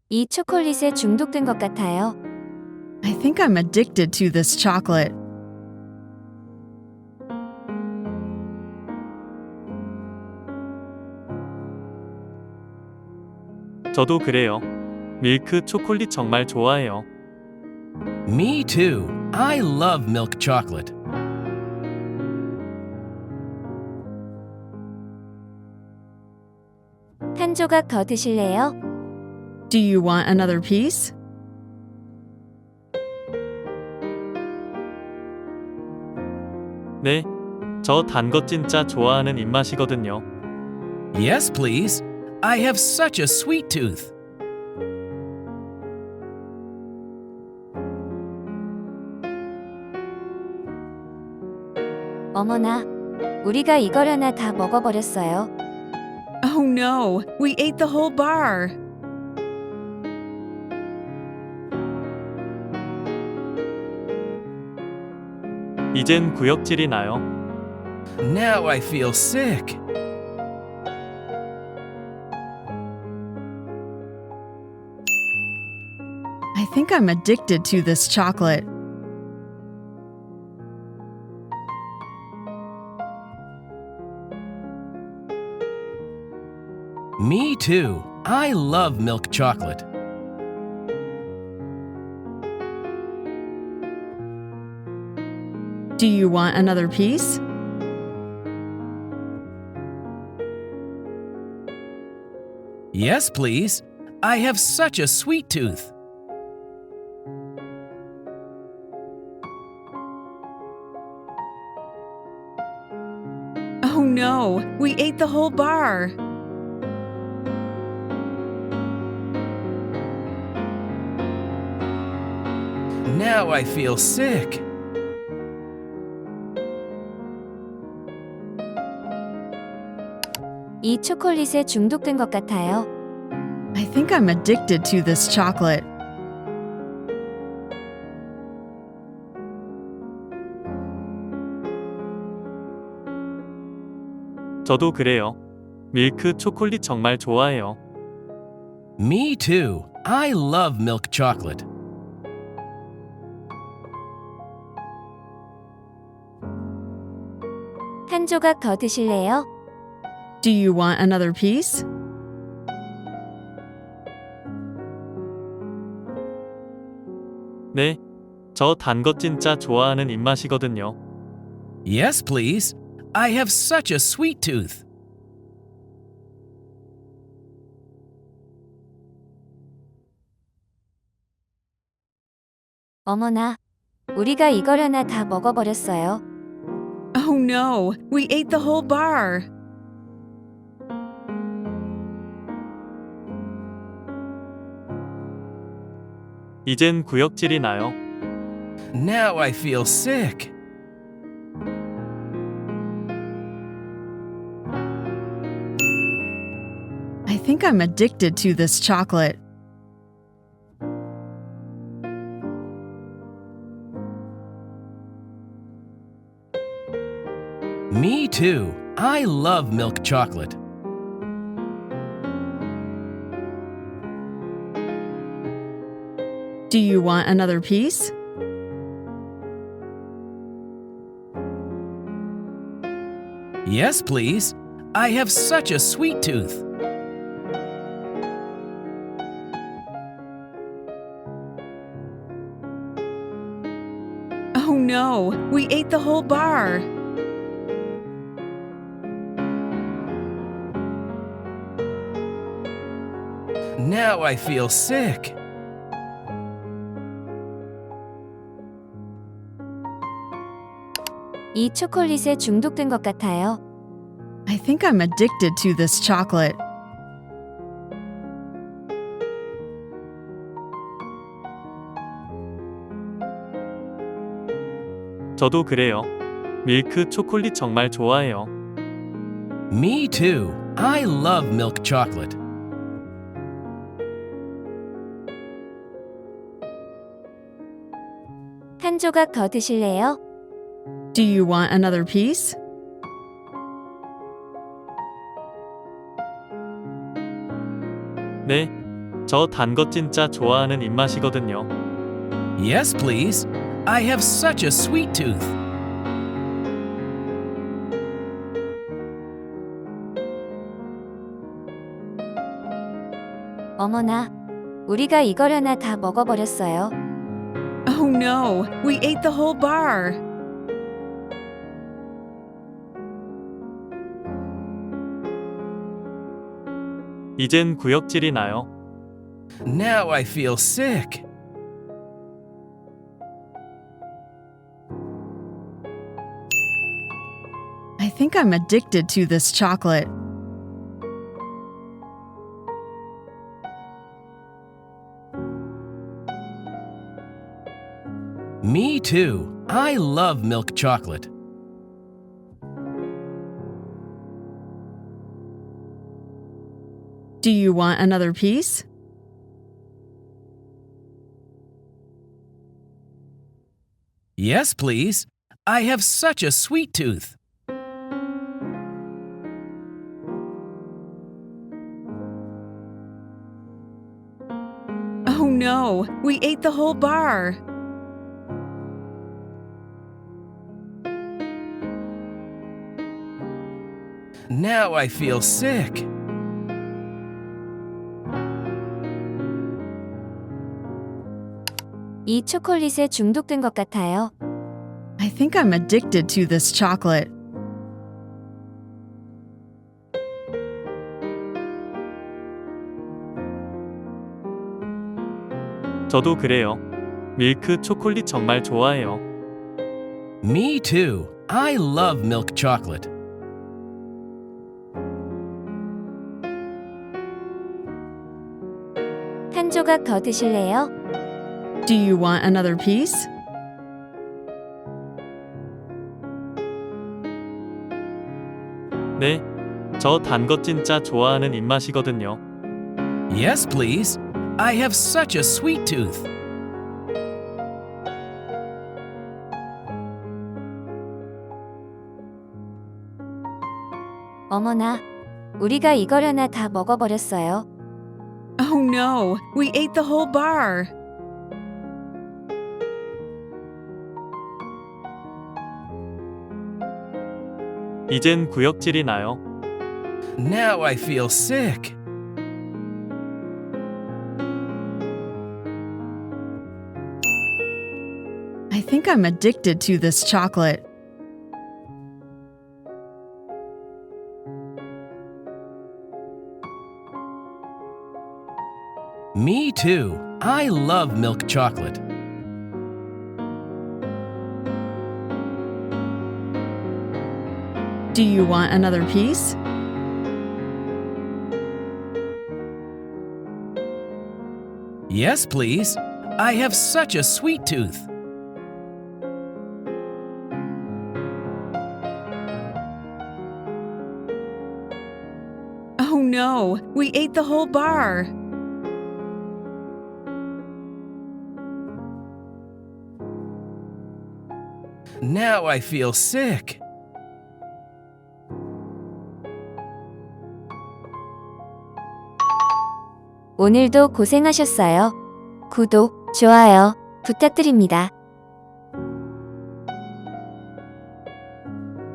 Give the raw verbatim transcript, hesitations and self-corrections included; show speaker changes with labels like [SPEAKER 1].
[SPEAKER 1] 이 초콜릿에 중독된 것 같아요.
[SPEAKER 2] I think I'm addicted to this chocolate.
[SPEAKER 3] 저도 그래요. 밀크 초콜릿 정말 좋아해요.
[SPEAKER 4] Me too. I love milk chocolate.
[SPEAKER 1] 한 조각 더 드실래요?
[SPEAKER 2] Do you want another piece?
[SPEAKER 3] 네, 저 단 거 진짜 좋아하는 입맛이거든요.
[SPEAKER 4] Yes, please. I have such a sweet tooth.
[SPEAKER 1] 어머나, 우리가 이걸 하나 다 먹어버렸어요.
[SPEAKER 2] Oh no, we ate the whole bar.
[SPEAKER 3] 이젠 구역질이 나요.
[SPEAKER 4] Now I feel sick.
[SPEAKER 2] I think I'm addicted to this chocolate.
[SPEAKER 4] Me too. I love milk chocolate.
[SPEAKER 2] Do you want another piece?
[SPEAKER 4] Yes, please. I have such a sweet tooth.
[SPEAKER 2] Oh no, we ate the whole bar.
[SPEAKER 4] Now I feel sick.
[SPEAKER 1] 이 초콜릿에 중독된 것 같아요.
[SPEAKER 2] I think I'm addicted to this chocolate.
[SPEAKER 3] 저도 그래요. 밀크 초콜릿 정말 좋아해요.
[SPEAKER 4] Me too. I love milk chocolate.
[SPEAKER 1] 한 조각 더 드실래요?
[SPEAKER 2] Do you want another piece?
[SPEAKER 3] 네, 저 단 거 진짜 좋아하는 입맛이거든요.
[SPEAKER 4] Yes, please. I have such a sweet tooth.
[SPEAKER 1] 어머나, 우리가 이걸 하나 다 먹어버렸어요.
[SPEAKER 2] Oh no, we ate the whole bar.
[SPEAKER 3] 이젠 구역질이 나요.
[SPEAKER 4] Now I feel sick.
[SPEAKER 2] I think I'm addicted to this chocolate.
[SPEAKER 4] Me too. I love milk chocolate.
[SPEAKER 2] Do you want another piece?
[SPEAKER 4] Yes, please. I have such a sweet tooth.
[SPEAKER 2] Oh no, we ate the whole bar.
[SPEAKER 4] Now I feel sick.
[SPEAKER 1] 이 초콜릿에 중독된 것 같아요.
[SPEAKER 2] I think I'm addicted to this chocolate.
[SPEAKER 3] 저도 그래요. 밀크 초콜릿 정말 좋아해요.
[SPEAKER 4] Me too. I love milk chocolate.
[SPEAKER 1] 한 조각 더 드실래요?
[SPEAKER 2] Do you want another piece?
[SPEAKER 3] 네, 저 단 거 진짜 좋아하는 입맛이거든요.
[SPEAKER 4] Yes, please. I have such a sweet tooth.
[SPEAKER 1] 어머나, 우리가 이걸 하나 다 먹어버렸어요.
[SPEAKER 2] Oh no, we ate the whole bar.
[SPEAKER 3] 이젠 구역질이 나요.
[SPEAKER 4] Now I feel sick.
[SPEAKER 2] I think I'm addicted to this chocolate.
[SPEAKER 4] Me too. I love milk chocolate.
[SPEAKER 2] Do you want another piece?
[SPEAKER 4] Yes, please. I have such a sweet tooth.
[SPEAKER 2] Oh no, we ate the whole bar.
[SPEAKER 4] Now I feel sick.
[SPEAKER 1] 이 초콜릿에 중독된 것 같아요.
[SPEAKER 2] I think I'm addicted to this chocolate.
[SPEAKER 3] 저도 그래요. 밀크 초콜릿 정말 좋아해요.
[SPEAKER 4] Me too. I love milk chocolate.
[SPEAKER 1] 한 조각 더 드실래요?
[SPEAKER 2] Do you want another piece?
[SPEAKER 3] 네, 저 단 거 진짜 좋아하는 입맛이거든요.
[SPEAKER 4] Yes, please. I have such a sweet tooth.
[SPEAKER 1] 어머나, 우리가 이걸 하나 다 먹어버렸어요.
[SPEAKER 2] Oh no, we ate the whole bar.
[SPEAKER 3] 이젠 구역질이 나요.
[SPEAKER 4] Now I feel sick.
[SPEAKER 2] I think I'm addicted to this chocolate.
[SPEAKER 4] Me too. I love milk chocolate.
[SPEAKER 2] Do you want another piece?
[SPEAKER 4] Yes, please. I have such a sweet tooth.
[SPEAKER 2] Oh no, we ate the whole bar.
[SPEAKER 4] Now I feel sick.
[SPEAKER 1] 오늘도 고생하셨어요. 구독, 좋아요 부탁드립니다.